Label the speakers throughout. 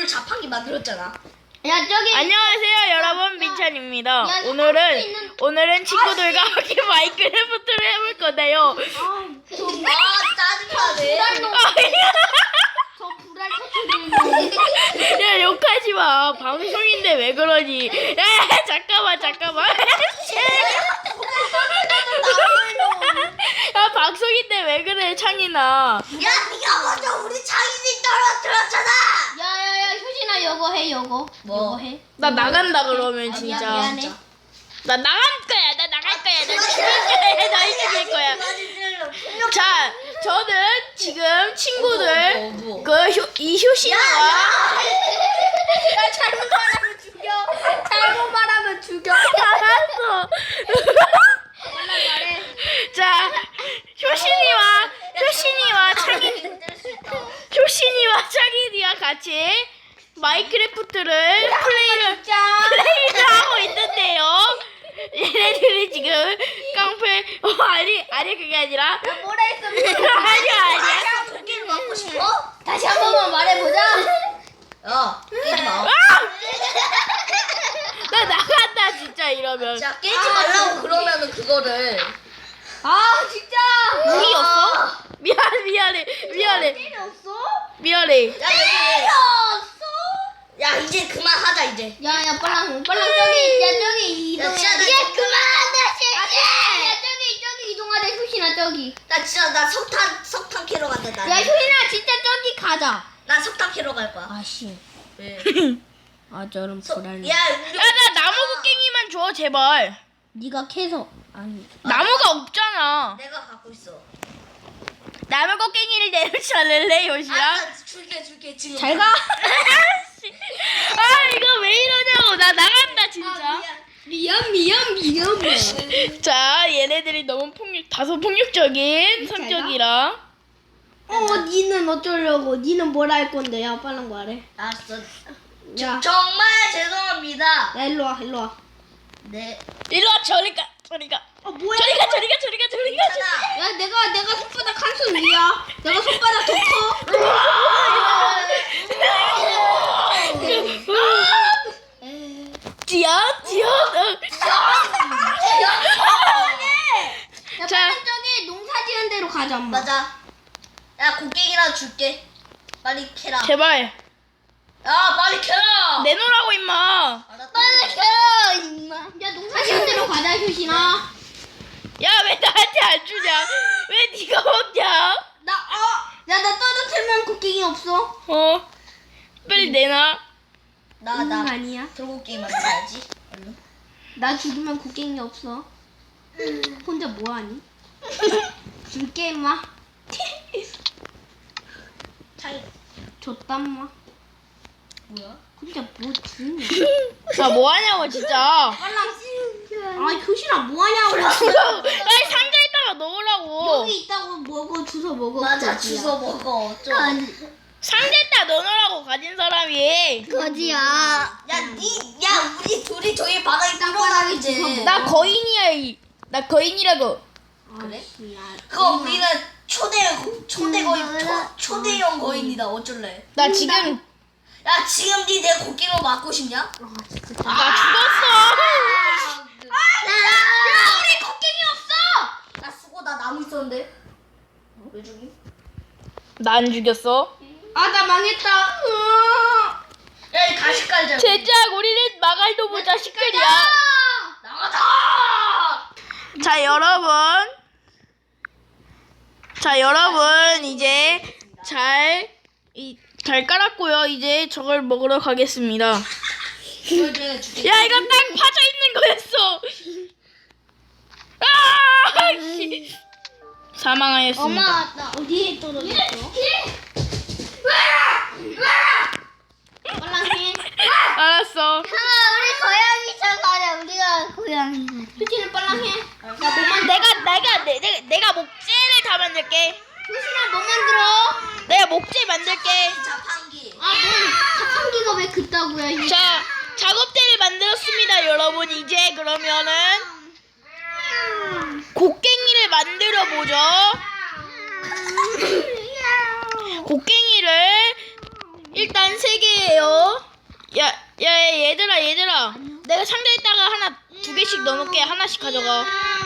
Speaker 1: 자판기 만들었잖아.
Speaker 2: 야 저기.
Speaker 3: 안녕하세요 여러분, 민찬입니다.
Speaker 2: 야,
Speaker 3: 오늘은 친구들과 함께 마인크래프트를 해볼 건데요.
Speaker 1: 짜증나네.
Speaker 2: 저 불알 터뜨리는.
Speaker 3: 야, 욕하지 마. 방송인데 왜 그러니? 야, 잠깐만. 야, 방송인데 왜 그래, 창이나.
Speaker 1: 야, 네가 먼저 우리 창인이 떨어뜨렸잖아.
Speaker 2: 야야야 효진아 요거 해 요거.
Speaker 1: 뭐?
Speaker 2: 요거 해.
Speaker 3: 나 나간다 그러면
Speaker 2: 아니야,
Speaker 3: 진짜.
Speaker 2: 미안해.
Speaker 3: 나 나갈 거야. 나 죽일 거야. 나 죽일 거야. 자, 저는 지금 친구들
Speaker 1: 뭐.
Speaker 3: 이 효신이와
Speaker 2: 야 잘못 말하면 죽여. 잘못 말하면 죽여.
Speaker 3: 알았어.
Speaker 2: 말해.
Speaker 3: 자, 효신이와 창인이와 같이 마인크래프트를 플레이를 하고 있는데요. 얘네들이 지금 깡패 아니 그게 아니라
Speaker 2: 뭐라 했어?
Speaker 3: 아니야.
Speaker 1: 고기를 먹고 싶어?
Speaker 2: 다시 한 번만 말해보자.
Speaker 1: 야, 깨지 마.
Speaker 3: 나 나간다 진짜 이러면.
Speaker 1: 자, 깨지 말라고 그러면은 그거를.
Speaker 2: 아 진짜.
Speaker 3: 무이였어? 미안해.
Speaker 2: 때렸어?
Speaker 1: 야,
Speaker 2: 때렸어?
Speaker 1: 야, 이제 그만하자 이제.
Speaker 2: 야야 빨랑 저기 이동해.
Speaker 1: 진짜 나
Speaker 2: 이제
Speaker 1: 이제
Speaker 2: 그만한다 야 저기 이동하자 효신아 저기.
Speaker 1: 나 진짜 나 석탄 캐러 간다 나.
Speaker 2: 야 효신아 진짜 저기 가자.
Speaker 1: 나 석탄 캐러 갈 거야.
Speaker 2: 아씨.
Speaker 1: 왜?
Speaker 2: 아 저런 불안해.
Speaker 1: 야, 우리
Speaker 3: 나 나무 곡괭이만 줘 제발.
Speaker 2: 네가 캐서 아니.
Speaker 3: 나무가 없잖아.
Speaker 1: 내가 갖고 있어.
Speaker 3: 나무 곡괭이를 내놓지 않을래 요시야?
Speaker 1: 알았어, 줄게 지금.
Speaker 2: 잘 가.
Speaker 3: 아 이거 왜 이러냐고. 나 나간다 진짜.
Speaker 2: 미안.
Speaker 3: 자, 얘네들이 너무 다소 폭력적인 성격이라.
Speaker 2: 니는 어쩌려고? 니는 뭘 할 건데? 야 빨랑 말해.
Speaker 1: 알았어.
Speaker 2: 야,
Speaker 1: 정말 죄송합니다.
Speaker 2: 야 일로 와.
Speaker 1: 네.
Speaker 3: 일로와 저리가.
Speaker 2: 뭐야?
Speaker 3: 저리가.
Speaker 1: 괜찮아.
Speaker 2: 야 내가 손바닥 한 손 위야. 내가 손바닥 더 커.
Speaker 3: 지연.
Speaker 2: 야
Speaker 3: 자.
Speaker 2: 빨랑 저기 농사지은 데로 가자 엄마.
Speaker 1: 맞아. 야, 곡괭이나 줄게. 빨리 캐라.
Speaker 3: 제발
Speaker 1: 야, 빨리 캐라.
Speaker 3: 내놓으라고 임마.
Speaker 1: 알았다.
Speaker 2: 캐 임마. 야 농사지은 데로 가자 효신아.
Speaker 3: 야, 왜 나한테 안 주냐? 왜 네가 먹냐?
Speaker 2: 나 떨어뜨리면 곡괭이 없어.
Speaker 3: 빨리 내놔.
Speaker 1: 나
Speaker 2: 아니야.
Speaker 1: 돌고기 만들어야지. 얼른.
Speaker 2: 나 죽으면 곡괭이 없어. 혼자 뭐하니? 줄게 임마.
Speaker 1: 차이
Speaker 2: 줬단마.
Speaker 1: 뭐야?
Speaker 2: 혼자 뭐 주냐?
Speaker 3: 아, 뭐 하냐고 진짜.
Speaker 2: 효신아 뭐하냐고.
Speaker 3: 빨리 상자에다가 넣으라고.
Speaker 2: 여기 있다고 먹어 주워 먹어.
Speaker 1: 맞아,
Speaker 2: 거지야.
Speaker 1: 주워 먹어. 어쩌.
Speaker 3: 상자에다 넣어놓으라고 가진 사람이.
Speaker 2: 거지야.
Speaker 1: 야, 우리 둘이 저기 바닥에
Speaker 2: 땅바닥에
Speaker 1: 뚫어놔야지.
Speaker 2: 주워 먹어.
Speaker 3: 나 거인이야. 나 거인이라고.
Speaker 1: 그래?
Speaker 2: 야,
Speaker 1: 그거 우리는 초대형 거인이다. 어쩔래?
Speaker 3: 나 지금
Speaker 1: 야, 지금 내 곡괭이로 맞고 싶냐?
Speaker 2: 아 진짜.
Speaker 3: 나 죽었어.
Speaker 1: 야, 우리 곡괭이 없어. 나 쓰고 나 나무 있었는데. 왜 죽이?
Speaker 3: 나 안 죽였어.
Speaker 2: 나 망했다.
Speaker 1: 야, 이 가시 깔자.
Speaker 3: 제작 우리는 마갈도부 자식들이야.
Speaker 1: 나가자.
Speaker 3: 자 여러분 이제 잘 깔았고요. 이제 저걸 먹으러 가겠습니다.
Speaker 1: 이걸 내가 줄게.
Speaker 3: 야, 이거 딱 파져 있는 거였어. 아! 씨. 사망하였습니다.
Speaker 2: 엄마 나 어디에 떨어졌어? 빨랑해.
Speaker 3: 알았어.
Speaker 2: 우리 고양이 찾아가자. 우리가 고양이. 효진이 빨랑해. 나 뭐 만들어?
Speaker 3: 내가 목재를 다 만들게.
Speaker 2: 효진아 뭐 만들어?
Speaker 3: 내가 목재 만들게.
Speaker 1: 자판기.
Speaker 2: 넌 자판기가 왜 그따구야?
Speaker 3: 자, 작업대를 만들었습니다, 여러분. 이제 그러면은 곡괭이를 만들어 보죠. 곡괭이를 일단 3개예요. 야, 얘들아. 내가 상자에다가 하나 2개씩 넣어놓게. 하나씩 가져가.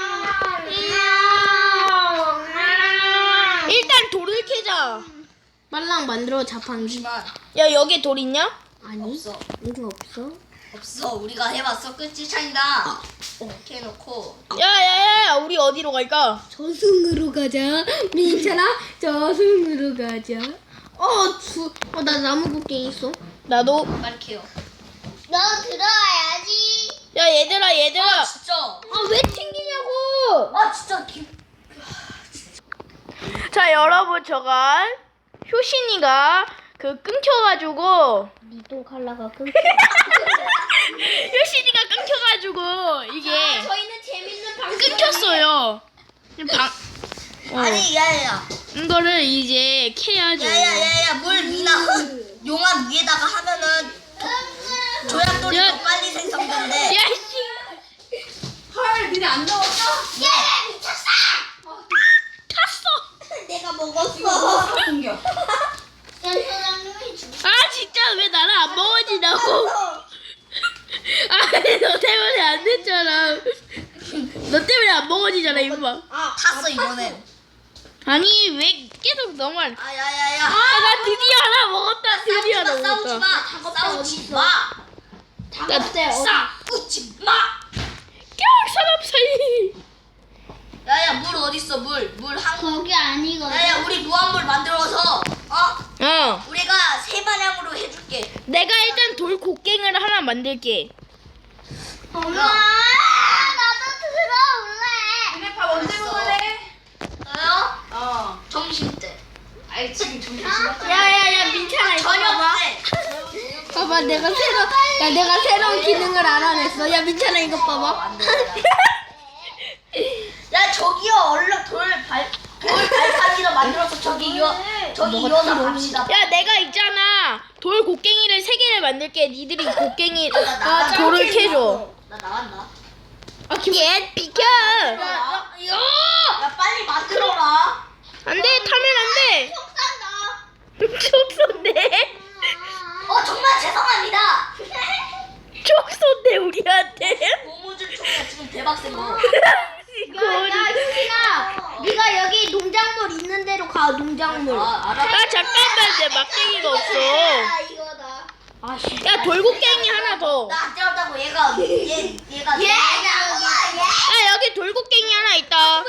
Speaker 3: 일단 돌을 캐자.
Speaker 2: 빨랑 만들어 자판기.
Speaker 3: 야, 여기 돌 있냐?
Speaker 2: 아니.
Speaker 1: 없어.
Speaker 2: 이거 없어?
Speaker 1: 없어. 우리가 해봤어. 끝이 차이다. 이렇게 해놓고.
Speaker 3: 야, 우리 어디로 갈까?
Speaker 2: 저승으로 가자. 민찬아, 저승으로 가자. 나 나무 곡괭이 있어.
Speaker 3: 나도.
Speaker 1: 빨리 캐요.
Speaker 2: 너 들어와야지.
Speaker 3: 야, 얘들아.
Speaker 1: 아 진짜.
Speaker 2: 왜 튕기냐고?
Speaker 1: 아 진짜.
Speaker 3: 자, 여러분, 저가 효신이가 끊겨가지고
Speaker 2: 니도 칼라가 끊겨.
Speaker 3: 효신이가 끊겨가지고 이게
Speaker 2: 저희는 재밌는 방송.
Speaker 3: 끊겼어요.
Speaker 1: 아니 야야야.
Speaker 3: 이거를 이제 캐야죠.
Speaker 1: 야야야야 물 미나 용암 위에다가 하면은 조약돌이
Speaker 3: 야.
Speaker 1: 더 빨리 생성된대.
Speaker 3: 야, 씨.
Speaker 1: 헐 니네 안 넣었어?
Speaker 2: 야, 미쳤어.
Speaker 3: 탔어.
Speaker 2: 내가 먹었어.
Speaker 1: 공격.
Speaker 3: 아, 진짜 왜 나를 안 먹어지냐고. 아니, 너 때문에 안 됐잖아. 너 때문에 안 먹어지잖아, 임마.
Speaker 1: 탔어 이번엔.
Speaker 3: 아니, 왜 계속 너만.
Speaker 1: 아 야야야.
Speaker 3: 나 드디어 하나 먹었다. 드디어 하나
Speaker 1: 싸우지
Speaker 3: 먹었다.
Speaker 1: 마. 싸우지 마. 싸우지 마.
Speaker 3: 사람 사이.
Speaker 1: 야야 물 어딨어 물 한.
Speaker 2: 거기 아니거든.
Speaker 1: 야야 우리 무한물 만들어서 우리가 세 반향으로 해줄게.
Speaker 3: 내가 일단 돌 곡괭이를 하나 만들게.
Speaker 2: 엄마, 나도 들어올래.
Speaker 1: 니네 밥 언제 먹을래? 저요? 점심 때. 아이 지금 점심 시간.
Speaker 2: 야야야, 민찬아 이거
Speaker 1: 저녁
Speaker 2: 봐봐.
Speaker 1: 때.
Speaker 2: 봐봐, 내가 새로운 기능을 알아냈어. 야, 민찬아 이거 봐봐.
Speaker 1: 안 돼. 야 저기요 얼른 돌 발판이라 만들어서 저기 이어서 갑시다.
Speaker 3: 야, 내가 있잖아. 돌 곡괭이를 3개를 만들게. 니들이 곡괭이
Speaker 1: 나
Speaker 3: 돌을 캐줘.
Speaker 1: 나 나간다.
Speaker 3: 얘 비켜.
Speaker 1: 야 빨리 만들어라.
Speaker 3: 안 돼. 타면 안 돼. 총 쏜대.
Speaker 1: 정말 죄송합니다.
Speaker 3: 총 쏜대 우리한테.
Speaker 1: 고무줄 총이야 지금 대박 센 거.
Speaker 2: 효진아, 네가 여기 농작물 있는 데로 가. 농작물.
Speaker 1: 알아.
Speaker 3: 아, 잠깐만. 내 막대기가 없어.
Speaker 2: 이거다.
Speaker 3: 야, 돌 곡괭이 하나 더.
Speaker 1: 나안 때렸다고 얘가.
Speaker 3: 야, 여기 돌 곡괭이 하나 있다.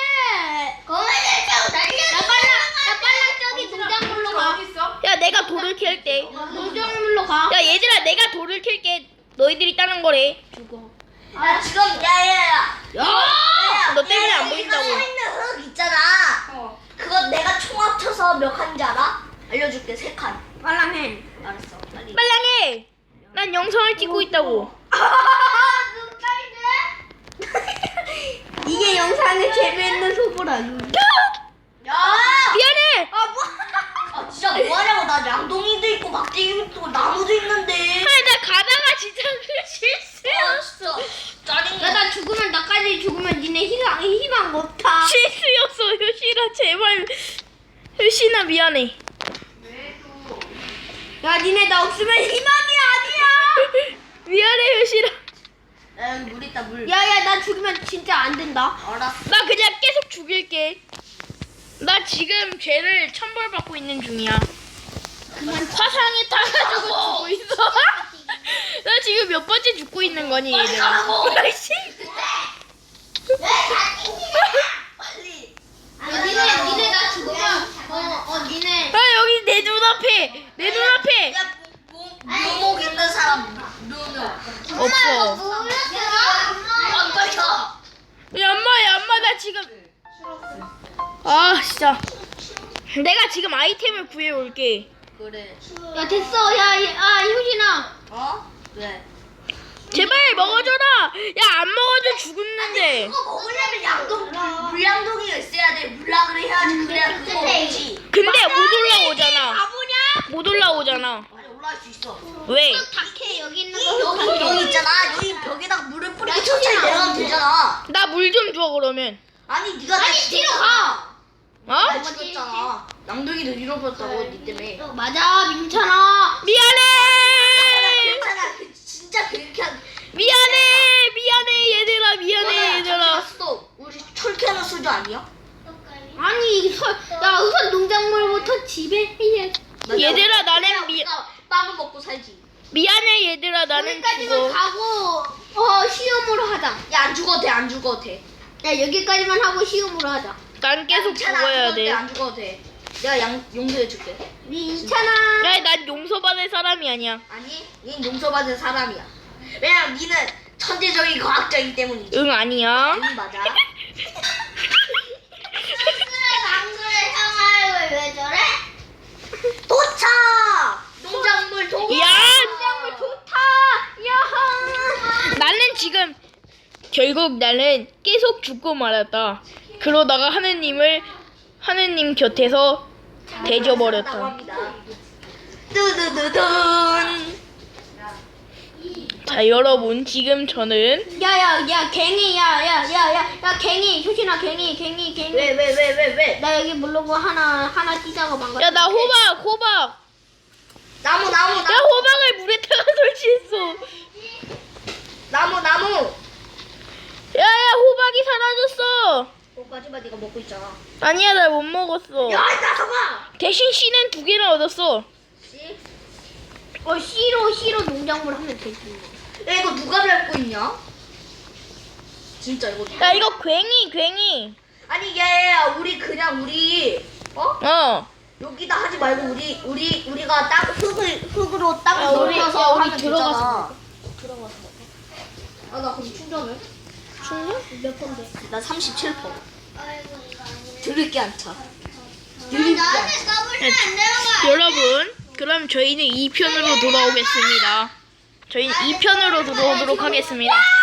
Speaker 2: 나 빨랑 저기 농작물로 가.
Speaker 3: 야, 내가 돌을 캘게.
Speaker 2: 농작물로 가.
Speaker 3: 야, 얘들아, 내가 돌을 캘게. 너희들이 따는 거래.
Speaker 1: 야 지금 야야야.
Speaker 3: 너 때문에 안 보인다고.
Speaker 1: 서 있는 흙 있잖아. 그거 내가 총 합쳐서 몇 칸인지 알아? 알려줄게 3칸.
Speaker 2: 빨랑 해.
Speaker 1: 알았어 빨리.
Speaker 3: 빨랑해. 난 영상을 찍고 있다고.
Speaker 2: 이게 영상의 재미있는 소볼 아니야?
Speaker 1: 야.
Speaker 3: 미안해.
Speaker 1: 아 진짜 뭐하냐고. 나 양동이도 있고 막대기도 있고 나무도 있는데.
Speaker 3: 아니, 나 가다가 진짜 실수였어.
Speaker 1: 진짜 짜증나.
Speaker 2: 나 나까지 죽으면 니네 희망 못 타.
Speaker 3: 실수였어, 효신아. 제발. 효신아, 미안해.
Speaker 2: 야, 니네 나 없으면 희망이 아니야.
Speaker 3: 미안해, 효신아.
Speaker 1: 야 여기 물 있다 물.
Speaker 2: 야야, 나 죽으면 진짜 안 된다.
Speaker 1: 알았어.
Speaker 3: 나 그냥 계속 죽일게. 나 지금 죄를 천벌받고 있는 중이야. 화상에 타가지고 죽고 있어. 나 지금 몇 번째 죽고 있는 거니,
Speaker 1: 빨리
Speaker 3: 얘들아.
Speaker 1: 가라고.
Speaker 3: 아이씨.
Speaker 1: 빨리.
Speaker 2: 니네 나 죽으면 니네.
Speaker 3: 아, 여기 내 눈앞에. 내 눈앞에.
Speaker 1: 야 묘목 있는 사람 묘목.
Speaker 3: 없어.
Speaker 1: 안 걸려.
Speaker 3: 야, 엄마, 나 지금. 아, 진짜. 내가 지금 아이템을 구해올게.
Speaker 1: 그래.
Speaker 2: 야, 됐어. 효진아.
Speaker 1: 왜?
Speaker 3: 제발 먹어줘라. 야, 안 먹어줘 죽었는데.
Speaker 1: 그거 먹으려면 물량동이가 있어야 돼. 물락을 해야지. 그래야 그거 먹지.
Speaker 3: 근데 못 올라오잖아.
Speaker 2: 바보냐?
Speaker 3: 못 올라오잖아.
Speaker 1: 아니 올라갈 수 있어.
Speaker 3: 왜?
Speaker 2: 닭해 여기 있는
Speaker 1: 여기 있잖아. 여기 벽에다가 물을 뿌리고 천천히 내려가면 되잖아.
Speaker 3: 나 물 좀 줘, 그러면.
Speaker 1: 아니 네가
Speaker 2: 아니, 뒤로 가.
Speaker 3: 어?
Speaker 1: 죽었잖아. 낭둥이도 잃어버렸다고 니 때문에.
Speaker 2: 맞아, 민찬아.
Speaker 3: 미안해.
Speaker 1: 괜찮아. 진짜 그렇게 한.
Speaker 3: 미안해 얘들아 미안해 얘들아.
Speaker 1: 스톱. 우리 철캐나 수조 아니야?
Speaker 2: 아니, 야, 우선 농작물부터 집에 해야.
Speaker 3: 얘들아 나는
Speaker 1: 빵을 먹고 살지.
Speaker 3: 미안해 얘들아 나는
Speaker 2: 여기까지만
Speaker 3: 죽어.
Speaker 2: 가고 시험으로 하자.
Speaker 1: 야 안 죽어도 돼. 안 죽어도 돼.
Speaker 2: 야, 여기까지만 하고 시험으로 하자.
Speaker 3: 난 계속
Speaker 1: 괜찮아,
Speaker 3: 죽어야 돼.
Speaker 1: 안 죽어도 돼. 내가 용서해줄게.
Speaker 2: 민찬아.
Speaker 3: 야, 난 용서받을 사람이 아니야.
Speaker 1: 아니, 닌 용서받은 사람이야. 왜냐면 니는 천재적인 과학자이기 때문이지.
Speaker 3: 응 아니야.
Speaker 1: 응 맞아.
Speaker 2: 안 그래, 형아, 왜 저래?
Speaker 1: 도착! 농작물 도.
Speaker 3: 야,
Speaker 2: 농작물 좋다. 야하.
Speaker 3: 나는 지금 결국 나는 계속 죽고 말았다. 그러다가 하느님 곁에서 대져버렸다.
Speaker 1: 뚜두두둔.
Speaker 3: 자 여러분 지금 저는
Speaker 2: 야, 갱이, 야, 갱이, 효신아, 갱이.
Speaker 1: 왜?
Speaker 2: 나 여기 모르고 하나 뛰다가 망가.
Speaker 3: 야 나 호박.
Speaker 1: 나무.
Speaker 3: 야 호박을 물에다가 설치했어.
Speaker 1: 나무.
Speaker 3: 야야 호박이 사라졌어.
Speaker 1: 오빠지마 네가 먹고 있잖아.
Speaker 3: 아니야 나 못 먹었어.
Speaker 1: 야, 이 녀석아!
Speaker 3: 대신 씨는 2개나 얻었어.
Speaker 1: 씨?
Speaker 2: C로 농작물 하면 되지.
Speaker 1: 야, 이거 누가 밟고 있냐? 진짜 이거.
Speaker 3: 야 이거 괭이.
Speaker 1: 아니, 얘 우리
Speaker 3: 어.
Speaker 1: 여기다 하지 말고 우리가 땅 흙으로 땅을
Speaker 2: 야, 우리-
Speaker 1: 넓혀서
Speaker 2: 야, 우리
Speaker 1: 하면
Speaker 2: 들어가서
Speaker 1: 되잖아. 아, 나 그럼 충전해?
Speaker 2: 몇 번데?
Speaker 1: 나 37%. 들을 게 안 차.
Speaker 2: 나한테 까불면 안 되는
Speaker 3: 여러분, 그럼 저희는 2편으로 돌아오겠습니다. 저희는 2편으로 돌아오도록 하겠습니다.